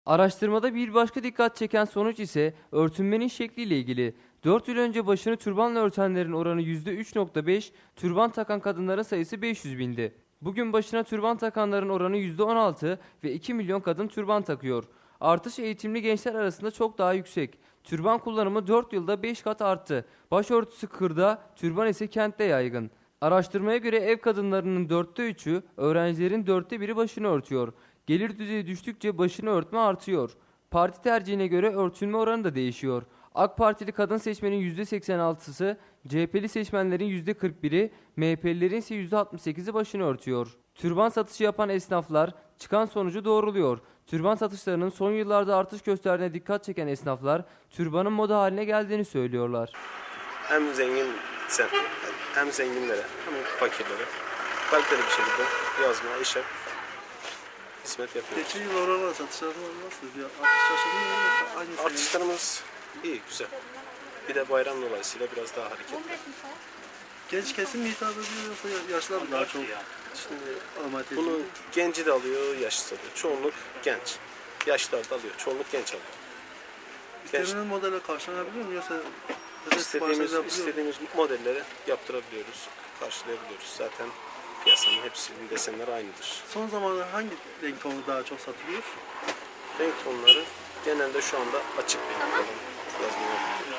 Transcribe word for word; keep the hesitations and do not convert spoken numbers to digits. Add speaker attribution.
Speaker 1: Araştırmada bir başka dikkat çeken sonuç ise örtünmenin şekliyle ilgili. dört yıl önce başını türbanla örtenlerin oranı yüzde üç nokta beş, türban takan kadınların sayısı beş yüz bindi. Bugün başına türban takanların oranı yüzde on altı ve iki milyon kadın türban takıyor. Artış eğitimli gençler arasında çok daha yüksek. Türban kullanımı dört yılda beş kat arttı. Başörtüsü kırda, türban ise kentte yaygın. Araştırmaya göre ev kadınlarının dörtte üçü, öğrencilerin dörtte biri başını örtüyor. Gelir düzeyi düştükçe başını örtme artıyor. Parti tercihine göre örtünme oranı da değişiyor. AK Partili kadın seçmenin yüzde seksen altısı, C H P'li seçmenlerin yüzde kırk biri, M H P'lilerin ise yüzde altmış sekizi başını örtüyor. Türban satışı yapan esnaflar çıkan sonucu doğruluyor. Türban satışlarının son yıllarda artış gösterdiğine dikkat çeken esnaflar, türbanın moda haline geldiğini söylüyorlar.
Speaker 2: Hem zengin hem zenginlere hem fakirlere kaliteli bir şekilde yazma, işe hizmet yapıyoruz.
Speaker 3: Geçen yıl oranla satışlarımız nasıl? Bir artış yaşadın mı yoksa aynı seviye?
Speaker 2: Artışlarımız iyi, güzel. Bir de bayram dolayısıyla biraz daha hareketli.
Speaker 3: Genç kesim mi hitap ediyor yoksa yaşlılar mı daha çok?
Speaker 2: Şimdi
Speaker 3: Almayı tercih
Speaker 2: bunu
Speaker 3: ediyor?
Speaker 2: genci de alıyor, yaşlısı da alıyor. Çoğunluk genç. Yaşlılar da alıyor. Çoğunluk genç alıyor. Genç,
Speaker 3: İstenilen modele karşılanabiliyor mu yoksa özel siparişler
Speaker 2: istediğimiz,
Speaker 3: yapılıyor mu?
Speaker 2: istediğimiz modelleri yaptırabiliyoruz, karşılayabiliyoruz. Zaten piyasanın hepsinin desenleri aynıdır.
Speaker 3: Son zamanlarda hangi renk tonu daha çok satılıyor?
Speaker 2: Renk tonları genelde şu anda açık renk olan yazmalar.